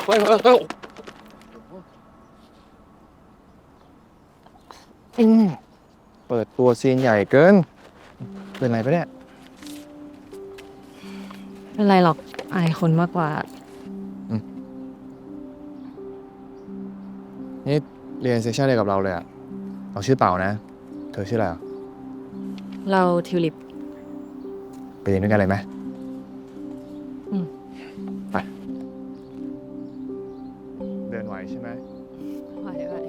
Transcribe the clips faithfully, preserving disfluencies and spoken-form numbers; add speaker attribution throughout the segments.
Speaker 1: เฮ้ยเฮ้ยเฮ้ยอืมเปิดตัวซีนใหญ่เกินเป็นไรปะเนี่ย
Speaker 2: ไม่เป็นไรหรอกอายคนมากกว่า
Speaker 1: นี่เรียนเซสชั่นเดียวกับเราเลยอะเราชื่อเป่านะเธอชื่ออะไรอ่ะ
Speaker 2: เราทิวลิป
Speaker 1: ไปเรียนด้วยกันเลยไหม
Speaker 2: อืม
Speaker 1: ไปเดินไหวใช่ไหม
Speaker 2: ไหวไหว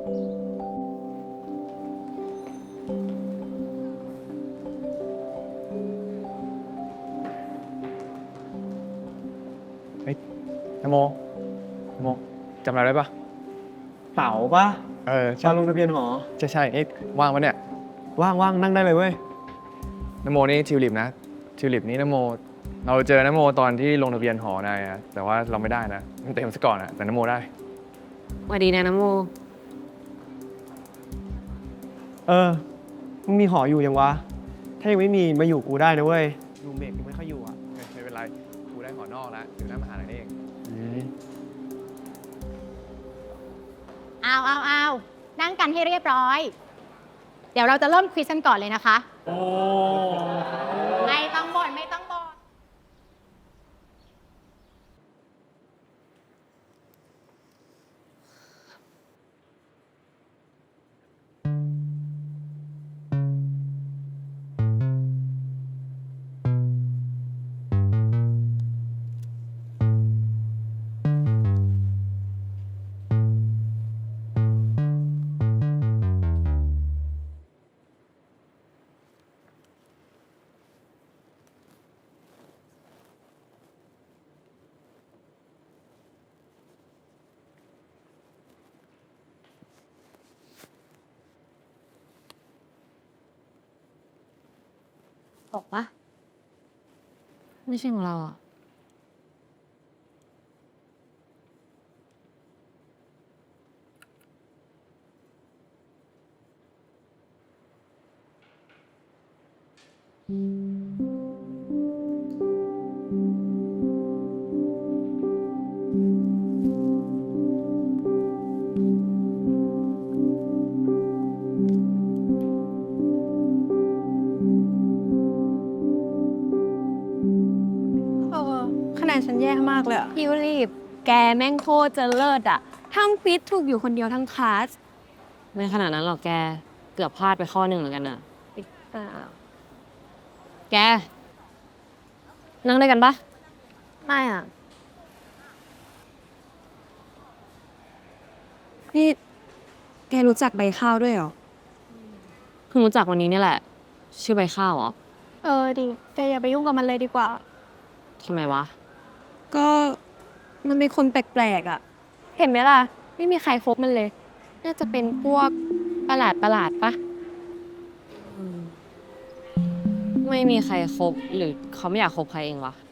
Speaker 1: นโมนโมจำเราได้ปะ
Speaker 3: เต๋าปะ
Speaker 1: เออใช่
Speaker 3: ตอนลงทะเบียนหอ
Speaker 1: ใช่ใช่เอ๊ะว่างปะเนี่ย
Speaker 3: ว่างว่างนั่งได้เลยเว้ย
Speaker 1: นโมนี่ทิวลิปนะทิวลิปนี่นโมเราเจอนโมตอนที่ลงทะเบียนหอนายอะแต่ว่าเราไม่ได้นะมันเต็มซะก่อนอะแต่นโมได้
Speaker 2: สวัสดีนะน้ำโม
Speaker 3: เออมึงมีหออยู่ยังวะถ้ายังไม่มีมาอยู่กูได้นะเว้ยรูเมทกูไม่ค่อยอยู่อ่ะ
Speaker 1: ไม่เป็นไรกูได้หอนอกแล้วอยู่หน้ามหาลัยนี่เอง
Speaker 4: เอาเอาเอานั่งกันให้เรียบร้อย เดี๋ยวเราจะเริ่มควิสกันก่อนเลยนะคะ
Speaker 3: โอ้
Speaker 4: ไม่ต้องบ่นไม่ต้องบ่น
Speaker 2: บอกปะไม่ใช่ของเราอ่ะ
Speaker 5: เออคะแนนฉันแย่มากเลยอะ
Speaker 2: ทิวลิปแกแม่งโคตรจะเลิศอ่ะทำควิสถูกอยู่คนเดียวทั้งคลาสไม่ขนาดนั้นหรอกแกเกือบพลาดไปข้อหนึ่งเหมือนกันอ่ะแกนั่งด้วยกันปะไม่อ่ะ
Speaker 5: นี่แกรู้จักใบข้าวด้วยเหรอ
Speaker 2: เพิ่งรู้จักวันนี้นี่แหละ ชื่อใบข้าวเหรอ
Speaker 5: เออดิแกอย่าไปยุ่งกับมันเลยดีกว่า
Speaker 2: ทำไมวะ
Speaker 5: ก็มันเป็นคนแปลกๆอะ
Speaker 2: เห็นไหมล่ะ ไม่มีใครคบมันเลย น่าจะเป็นพวกประหลาดประหลาดปะไม่มีใครคบหรือเขาไม่อยากคบใครเองวะ